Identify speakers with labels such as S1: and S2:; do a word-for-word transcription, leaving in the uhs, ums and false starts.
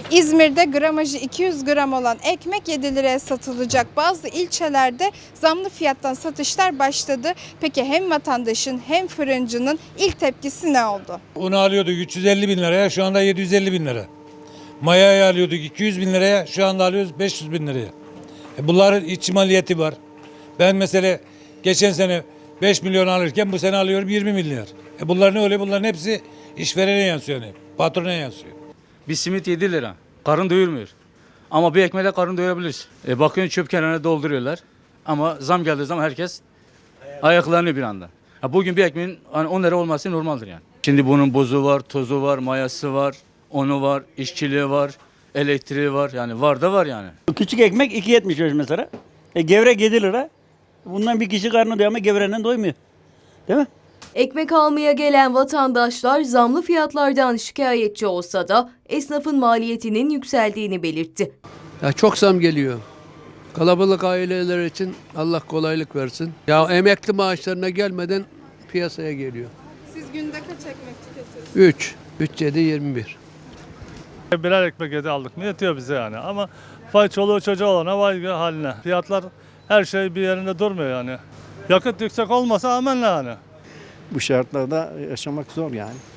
S1: İzmir'de gramajı iki yüz gram olan ekmek yedi liraya satılacak. Bazı ilçelerde zamlı fiyattan satışlar başladı. Peki hem vatandaşın hem fırıncının ilk tepkisi ne oldu?
S2: Unu alıyorduk üç yüz elli bin liraya, şu anda yedi yüz elli bin lira. Mayayı alıyorduk iki yüz bin liraya, şu anda alıyoruz beş yüz bin liraya. E bunların iç maliyeti var. Ben mesela geçen sene beş milyon alırken bu sene alıyorum yirmi milyar. E bunlar ne oluyor? Bunların hepsi işverene yansıyor, yani patrona yansıyor.
S3: Bir simit yedi lira. Karın doyurmuyor. Ama bir ekmeğe karın doyurabilir. E bakıyorsun çöp kenarına dolduruyorlar. Ama zam geldiği zaman herkes ayaklanıyor bir anda. Ha bugün bir ekmeğin hani on lira olması normaldir yani. Şimdi bunun bozu var, tozu var, mayası var, unu var, işçiliği var, elektriği var. Yani var da var yani.
S4: Küçük ekmek iki yetmiş beş mesela. E, gevrek yedi lira. Bundan bir kişi karnı doyuyor ama gevrenden doymuyor. Değil mi?
S5: Ekmek almaya gelen vatandaşlar zamlı fiyatlardan şikayetçi olsa da esnafın maliyetinin yükseldiğini belirtti.
S6: Ya çok zam geliyor. Kalabalık aileler için Allah kolaylık versin. Ya emekli maaşlarına gelmeden piyasaya geliyor.
S1: Siz günde kaç ekmek tüketiyorsunuz?
S6: üç, üç, yedi, yirmi bir.
S7: Birer ekmek yedi aldık mı yetiyor bize yani ama vay çoluğu çocuğu olana vay haline. Fiyatlar her şey bir yerinde durmuyor yani. Yakıt yüksek olmasa amenna yani.
S8: Bu şartlarda yaşamak zor yani.